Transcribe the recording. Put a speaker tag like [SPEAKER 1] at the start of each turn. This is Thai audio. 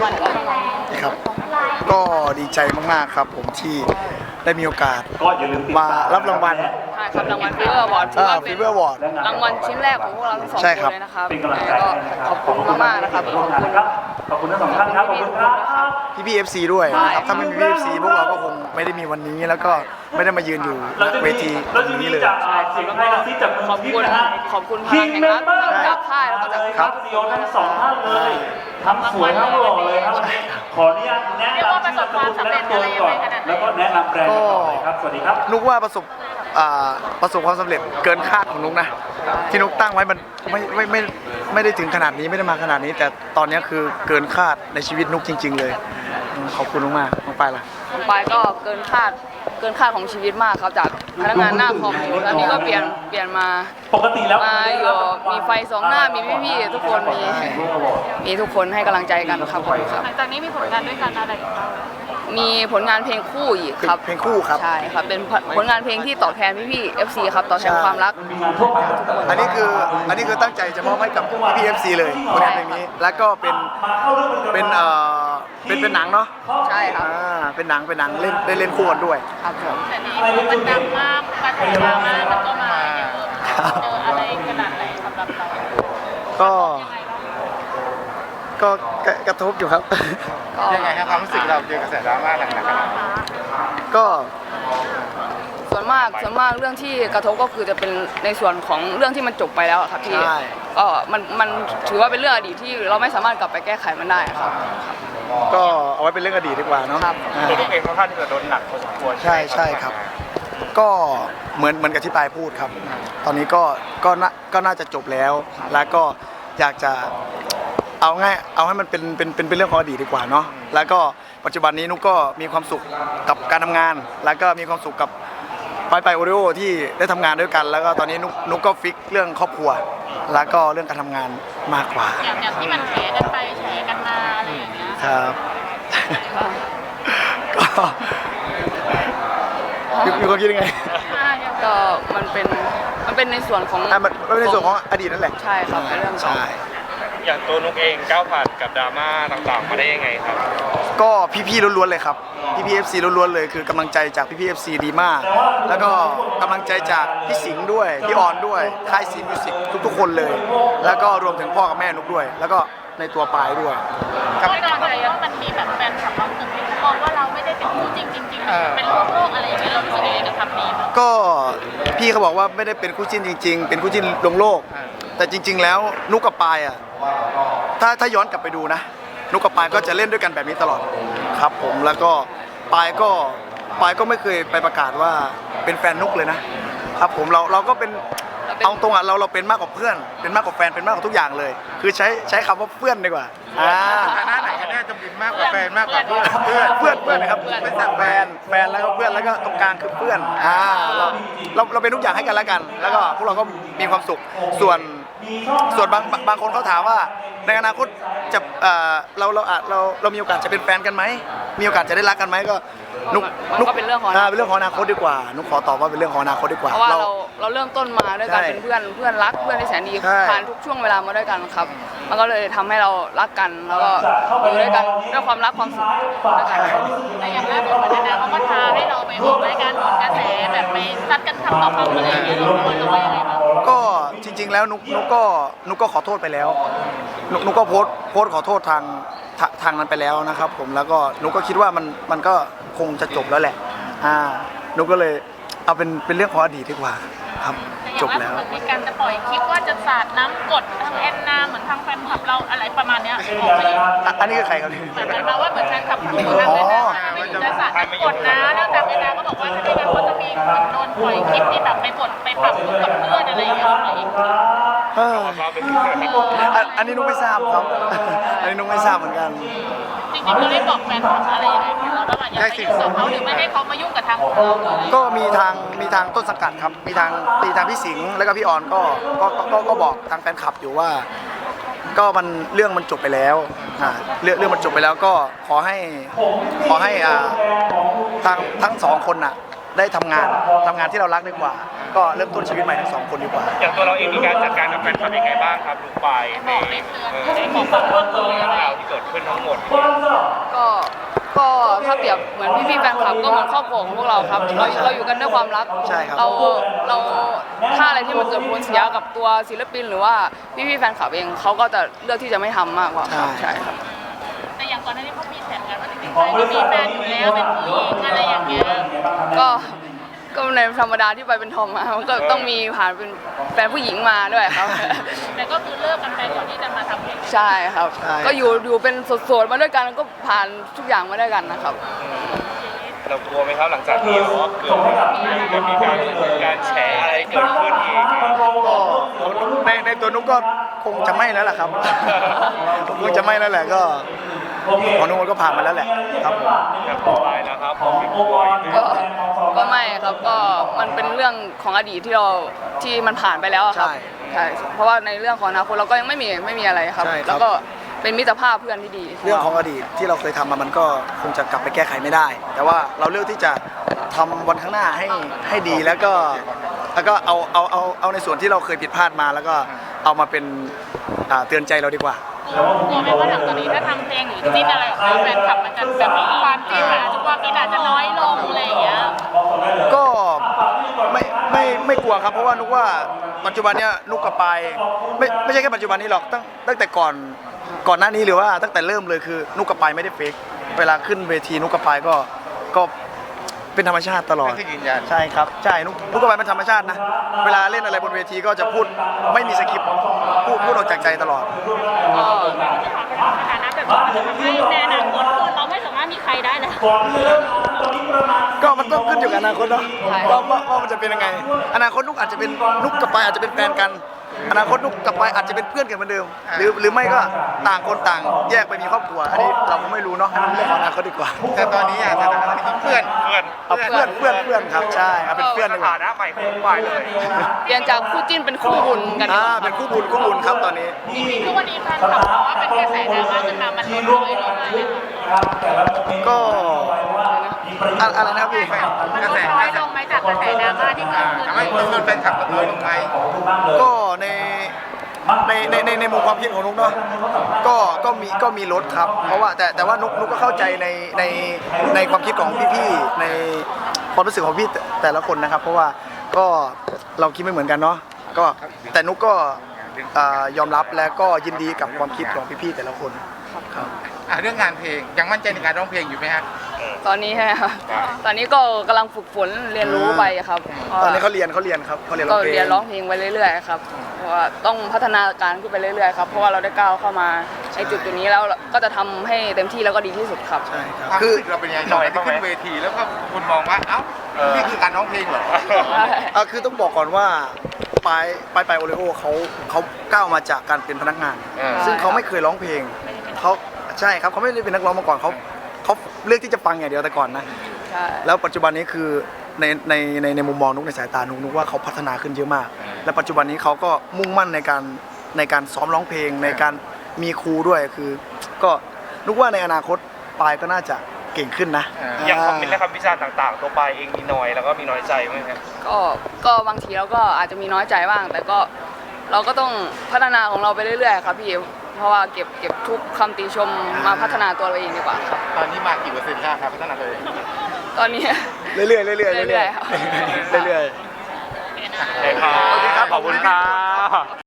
[SPEAKER 1] วัลกับน้อง
[SPEAKER 2] ครับก็ดีใจมากๆครับผมที่ได้มีโอกาสมารับรางวัล
[SPEAKER 1] ใช่ครับรางวัลฟีเวอร์วอร์ดถือว่าเป็นรางวัลชิ้นแรกของพวกเราทั้งสองคนเลยนะครับก็ขอบคุณมากๆนะครับ
[SPEAKER 3] ขอบคุณทั้งสองท่านครับขอบคุณครับ
[SPEAKER 2] พี่FC ด้วยนะครับถ้าไม่มีพี่ FC พวกเราก็คงไม่ได้มีวันนี้แล้วก็ไม่ได้มายืนอยู่เวทีตรงนี้เลย
[SPEAKER 1] ขอบคุณพลังแห่งรัฐจากค่ายแล้วก็จาก
[SPEAKER 3] ครับทั้งสองท่านเลยทั้งสวยทั้งหล่อเลยครับขออนุญาตแนะนำชื่อนามสกุลและตัวก่อนแล้วก็แนะนำแบรนด์ต่อเลยครับสวัสดีครับ
[SPEAKER 2] นุกว่าประสบความสำเร็จเกินคาดของนุกนะที่นุกตั้งไว้มันไม่ได้ถึงขนาดนี้ไม่ได้มาขนาดนี้แต่ตอนนี้คือเกินคาดในชีวิตนุกจริงๆเลยขอบคุณมากๆน้องปายล่ะ
[SPEAKER 1] น้องปายก็เกินคาดของชีวิตมของครับจากพนักงานหน้าคอมตอนนี้ก็เปลี่ยนมา
[SPEAKER 3] ปกติแล้ว
[SPEAKER 1] มาอยู่มีไฟสองหน้ามีพี่ๆทุกคนมีทุกคนให้กำลังใจกันครับผมครับ
[SPEAKER 4] หลังจากนี้มีผลงานด้วยกันอะไรอีกบ้าง
[SPEAKER 1] มีผลงานเพลงคู่อีกครับ
[SPEAKER 2] เพลงคู่ครับ
[SPEAKER 1] ใช่ครับเป็นผลงานเพลงที่ตอบแทนพี่ๆ FC ครับตอบแทนความรัก
[SPEAKER 2] อันนี้คือตั้งใจจะมอบให้กับพี่ FC เลยผลงานเพลงนี้แล้วก็เป็นหนังเนาะ
[SPEAKER 1] ใช่ครับ
[SPEAKER 2] เป็นหนังเล่นได้เล่นคู่กันด้วย
[SPEAKER 1] ครับผม
[SPEAKER 4] แต่นี้มันดังมากกระแสดราม่ามันก็มาเยอะเจออะไรขนาดไหนสำหรับเรา
[SPEAKER 2] ก็กระทบอยู่ครับ
[SPEAKER 5] ยังไงครับความรู้สึกเราเจอกระแสดราม่าหนักขนาดนี้
[SPEAKER 2] ก็
[SPEAKER 1] ส่วนมากเรื่องที่กระทบก็คือจะเป็นในส่วนของเรื่องที่มันจบไปแล้วครับพี่ก็มันถือว่าเป็นเรื่องอดีตที่เราไม่สามารถกลับไปแก้ไขมันได้ครับ
[SPEAKER 2] ก็เอาไว้เป็นเรื่องอดีตดีกว่าเนาะ
[SPEAKER 5] ตัวลูกเองค่อนข้างที่จะโดนหนักพอสมควร
[SPEAKER 2] ใช่ครับก็เหมือนกับที่ปายพูดครับตอนนี้ก็น่าจะจบแล้วแล้วก็อยากจะเอาให้มันเป็นเรื่องของอดีตดีกว่าเนาะแล้วก็ปัจจุบันนี้นุกก็มีความสุขกับการทำงานแล้วก็มีความสุขกับไปโอริโอที่ได้ทำงานด้วยกันแล้วก็ตอนนี้นุกก็ฟิกเรื่องครอบครัวแล้วก็เรื่องการทำงานมากกว่า
[SPEAKER 4] อย่างที่มันแฉกันไปแฉกันมาอะไรอย่างเงี้ย
[SPEAKER 2] ครับก็มีความคิดยังไง
[SPEAKER 1] ก็มันเป็นในส่วนของ
[SPEAKER 2] มันเป็นในส่วนของอดีตนั่นแหละ
[SPEAKER 1] ใช่ครับเป็นเรื่องใช่
[SPEAKER 5] อย่างตัวนุกเองก้าวผ่านกับดราม่าต่างๆมาได้ยังไงครับ
[SPEAKER 2] ก็พี่ๆล้วนๆเลยครับพี่ FC ล้วนๆเลยคือกำลังใจจากพี่ FC ดีมากแล้วก็กำลังใจจากพี่สิงห์ด้วยพี่ออนด้วยค่ายซีมิวสิกทุกๆคนเลยแล้วก็รวมถึงพ่อกับแม่นุกด้วยแล้วก็ในตัวปายด้วย
[SPEAKER 4] ก็ตอนนี้ว่ามันมีแบบแฟนคลับเราตึงที่มองว่าเราไม่ได้เป็นคู่จริงเป็นโลกอะไรอย่างเงี้ยเรารู้สึกยังไงกับคำนี้
[SPEAKER 2] ก็พี่เขาบอกว่าไม่ได้เป็นคู่จิ้นจริงๆเป็นคู่จิ้นลงโลกแต่จริงๆแล้วนุกกับปายอ่ะถ้าย้อนกลับไปดูนะนุกกับปายก็จะเล่นด้วยกันแบบนี้ตลอดครับผมแล้วก็ปายก็ไม่เคยไปประกาศว่าเป็นแฟนนุกเลยนะครับผมเราก็เป็นเอาตรงอ่ะเราเป็นมากกว่าเพื่อนเป็นมากกว่าแฟนเป็นมากกว่าทุกอย่างเลยคือใช้คำว่าเพื่อนดีกว่า
[SPEAKER 5] ฐานะไหนกันแน่จะเป็นมากกว่าแฟนมากกว่าเ
[SPEAKER 2] พื่อนนะครับไม่ใช่แฟนแล้วก็เพื่อนแล้วก็ตรงกลางคือเพื่อนเราเป็นทุกอย่างให้กันแล้วกันแล้วก็พวกเราก็มีความสุขส่วนบางคนเขาถามว่าในอนาคตจะเรามีโอกาสจะเป็นแฟนกันไหมมีโอกาสจะได้รักกันไหมก็นุก
[SPEAKER 1] เป็นเรื่องของ
[SPEAKER 2] อนาคตดีกว่านุกขอตอบว่าเป็นเรื่องของอนาคตดีกว่า
[SPEAKER 1] เพราะว่าเราเริ่มต้นมาด้วยกันเป็นเพื่อนรักเพื่อนที่แสนดีผ่านทุกช่วงเวลามาด้วยกันครับมันก็เลยทำให้เรารักกันแล้วก็อยู่ด้วยกันด้วยความรักความสุข
[SPEAKER 4] แต่อย่างล่าสุดเหมือนกันเขาก็ท้าให้เราไปออกรายการโหนกระแสแบบไปซัดกันทำต่อคำอะไรอย่างเงี้ยเราควรจะว่ายังไงบ้าง
[SPEAKER 2] ก็จริงๆแล้วนุกก็ขอโทษไปแล้วนุกก็โพสต์ขอโทษทางนั้นไปแล้วนะครับผมแล้วก็นุกก็คิดว่ามันก็คงจะจบแล้วแหละนุกก็เลยเอาเป็นเรื่องของอดีตดีกว่าครับจบแล้ว
[SPEAKER 4] เหมือนมีการจะปล่อยคลิปว่าจะสาดน้ำกดทางแอนนาเหมือนทางแฟนคลับเราอะไรประมาณเนี้ย
[SPEAKER 2] อันนี้คือใครครับ
[SPEAKER 4] เหมือนมาว่าเหมือนแฟนคลับของทางแอนนาจะสาดน้ำกดนะแล้วทางแอนนาก็บอกว่าถ้าไม่งั้นก็จะมีคนโดนปล่อยคลิปที่แบบไปกดไปปรับกับเพื่อนอะไรอย่างเงี้ยอีก
[SPEAKER 2] อันนี้นุกไม่ทราบครับอันนี้นุกไม่ทราบเหมือนกัน
[SPEAKER 4] จริงๆเราได้บอกแฟนคลับอะไรยังไงเราระหว่างอยากให้ยุ่งกับเขาหรือไม่ให้เขามายุ่งกับทางเรา
[SPEAKER 2] ก็มีทางต้นสังกัดครับมีทางพี่สิงห์แล้วก็พี่ออนก็บอกทางแฟนคลับอยู่ว่าก็เรื่องมันจบไปแล้วเรื่องมันจบไปแล้วก็ขอให้ทั้งสองคนน่ะได้ทำงานที่เรารักดีกว่าก็เริ่มต้นชีวิตใหม่ทั้งสองคนดีกว่า
[SPEAKER 5] อย่างตัวเราเองมีการจัดการกับแฟนคลับยังไงบ้างครับลูกปายในของเรื่องราวที่เกิดขึ้นทั้งหมด
[SPEAKER 1] ก็ถ้าเปรียบเหมือนพี่ๆแฟนคลับก็เหมือนครอบครัวของพวกเราครับเราอยู่กันด้วยความรัก
[SPEAKER 2] ใช่ครับ
[SPEAKER 1] เราถ้าอะไรที่มันเกิดผลเสียกับตัวศิลปินหรือว่าพี่ๆแฟนคลับเองเขาก็จะเลือกที่จะไม่ทำมากกว่าครับใช่ครับ
[SPEAKER 4] แต่อย่างก่อนหน้านี้เขามีแผนกันว่าจริงๆเขามีแฟนอยู่แล้วเป็นผู้หญิงอะไรอย่างเงี้ย
[SPEAKER 1] ก็ในธรรมดาที่ไปเป็นทอมมามันก็ต้องมีผ่านเป็นแฟนผู้หญิงมาด้วยครับ
[SPEAKER 4] แต่ก็คือเลิกกันไปก่อนที่จะมาทำเพลง
[SPEAKER 1] ใช่ครับ
[SPEAKER 2] ใช่
[SPEAKER 1] ก็อยู่เป็นโสดๆมาด้วยกันก็ผ่านทุกอย่างมาด้วยกันนะครับ
[SPEAKER 5] เรากลัวไหมครับหลังจากที่ว่าเกิดมีการแชร์อะไรเกิดขึ้นอีก
[SPEAKER 2] ก็ในตัวนุ๊กก็คงจะไม่แล้วแหละครับ คงจะไม่แล้วแหละก็ของนุ๊กก็ผ่านมาแล้วแหละครับผม
[SPEAKER 5] แบบต่อไปนะครับของพี่บอย
[SPEAKER 1] ก็ไม่ครับก็มันเป็นเรื่องของอดีตที่มันผ่านไปแล้วอะครับใช่เพราะว่าในเรื่องของอนาคตเราก็ยังไม่มีอะไรครับ แล้วก็เป็นมิตรภาพเพื่อนที่ดี
[SPEAKER 2] เรื่องของอดีตที่เราเคยทำมามันก็คงจะกลับไปแก้ไขไม่ได้ แต่ว่าเราเลือกที่จะทำวันข้างหน้าให้ดีแล้วก็เอาในส่วนที่เราเคยผิดพลาดมาแล้วก็เอามาเป็นเตือนใจเราดีกว่า
[SPEAKER 4] กลัวไหมว่าหลังจากนี้ถ้าทำเพลงหรือจิ้นอะไรออกมาแฟนคลับมันจะแบบมีความจิ้นอาจจะความกินอาจจะน้อยลงอะไรอย่างเงี้ย
[SPEAKER 2] ก็ไม่กลัวครับเพราะว่านุกว่าปัจจุบันเนี้ยนุกกับปายไม่ใช่แค่ปัจจุบันนี้หรอกตั้งแต่ก่อนหน้านี้หรือว่าตั้งแต่เริ่มเลยคือนุกกับปายไม่ได้เฟกเวลาขึ้นเวทีนุกกับปายก็เป็นธรรมชาติตลอดใช่ครับใช่นุกกับปายเป็นธรรมชาตินะเวลาเล่นอะไรบนเวทีก็จะพูดไม่มีสคริปต์พูดออกจากใจตลอด
[SPEAKER 4] สถานะแบบนี้มันจะทำให้ในอนาคตเราไม่สามารถมีใครได้แล้ว
[SPEAKER 2] ก็มันต้องขึ้นอยู่กับอนาคตเนาะว่ามันจะเป็นยังไงอนาคตนุกอาจจะเป็นนุกกับปายอาจจะเป็นแฟนกันอนาคตนุกกับปายอาจจะเป็นเพื่อนกันเหมือนเดิมหรือไม่ก็ต่างคนต่างแยกไปมีครอบครัวอันนี้เราก็ไม่รู้เนาะเรื่องของอนาคตดีกว่าแต่ตอนนี้สถานะเพื่อนครับใช่ครับเป็นเพื่อน
[SPEAKER 5] ส
[SPEAKER 2] ดีกว่า
[SPEAKER 5] ถานะใหม่ของลูกปายเลย
[SPEAKER 1] เปลี่ยนจากคู่จิ้นเป็นคู่บุญกันดีกว่า
[SPEAKER 2] เป็นคู่บุญครับตอนนี้
[SPEAKER 4] ทุกวันนี้แฟนคลับบอกว่าเป็นกระแสดราม่าขึ้นมามันลดน้อยลงเลย
[SPEAKER 2] ก็อะไรนะพี่
[SPEAKER 4] มันลดน้อยลงไหมจากกระแสดราม่าที่เกิดขึ้น
[SPEAKER 6] ทำให้จำนวนแฟนคลับลดน้อยลงไหม
[SPEAKER 2] ก็ในมุมความคิดของนุกเนาะก็มีลดครับเพราะว่าแต่ว่านุกก็เข้าใจในความคิดของพี่ๆในความรู้สึกของพี่แต่ละคนนะครับ เพราะว่าก็เราคิดไม่เหมือนกันเนาะก็แต่นุกก็ยอมรับและก็ยินดีกับความคิดของพี่ๆแต่ละคนครับ
[SPEAKER 6] เรื่องงานเพลงยังมั่นใจในการร้องเพลงอยู่ไหมฮะ
[SPEAKER 1] ตอนนี้ใช่ไหมครับตอนนี้ก็กำลังฝึกฝนเรียนรู้ไปครับ
[SPEAKER 2] ตอนนี้เขาเรียนครับเขาเรียนร้
[SPEAKER 1] ก็
[SPEAKER 2] องเพลง
[SPEAKER 1] เรียนร้องเพลงไปเรื่อยๆครับเพราะว่าต้องพัฒนาการขึ้นไปเรื่อยๆครับเพราะว่าเราได้ก้าวเข้ามาในจุดนี้แล้วก็จะทำให้เต็มที่แล้วก็ดีที่สุดครับ
[SPEAKER 2] ใช่ครับ
[SPEAKER 6] ความ
[SPEAKER 2] คือ
[SPEAKER 6] รู้สึกเราเป็นยังไงตอนที่ขึ้นเวทีแล้วก็คุณมองว่าเอ้านี่คือการร้องเพลงเหรอ
[SPEAKER 2] คือต้องบอกก่อนว่าปายโอเลโอเขาก้าวมาจากการเป็นพนักงาน ซึ่งเขาไม่เคยร้องเพลงเขาใช่ครับเขาไม่ได้เป็นนักร้องมาก่อนเขาเลือกที่จะฟังอย่างเดียวแต่ก่อนนะ
[SPEAKER 1] ใช่
[SPEAKER 2] แล้วปัจจุบันนี้คือในมุมมองนุกในสายตานุกว่าเขาพัฒนาขึ้นเยอะมาก และปัจจุบันนี้เขาก็มุ่งมั่นในการซ้อมร้องเพลงในการมีครูด้วยคือ ก็นุกว่าในอนาคตปายก็น่าจะเก่งขึ้นนะ
[SPEAKER 5] อย่างคอมเมนต์และคำวิจารณ์ต่างๆ ตัวปายเองมีน้อยแล้วก็มีน้อยใจไหมครับ
[SPEAKER 1] ก็บางทีเราก็อาจจะมีน้อยใจบ้าง แต่ก็เราก็ต้องพัฒนาของเราไปเรื่อยๆครับพี่เพราะว่าเก็บทุกคำติชมมาพัฒนาตัวเราเองดีกว่าครับ
[SPEAKER 6] ตอนนี้มากี่เปอร์เซ็นต์ครับพัฒนาตัวเอง
[SPEAKER 1] ตอนนี้
[SPEAKER 2] เรื่อยๆเรื่อยๆ
[SPEAKER 1] ครับ
[SPEAKER 2] เรื่อยๆ
[SPEAKER 5] โอเคครับขอบคุณครับ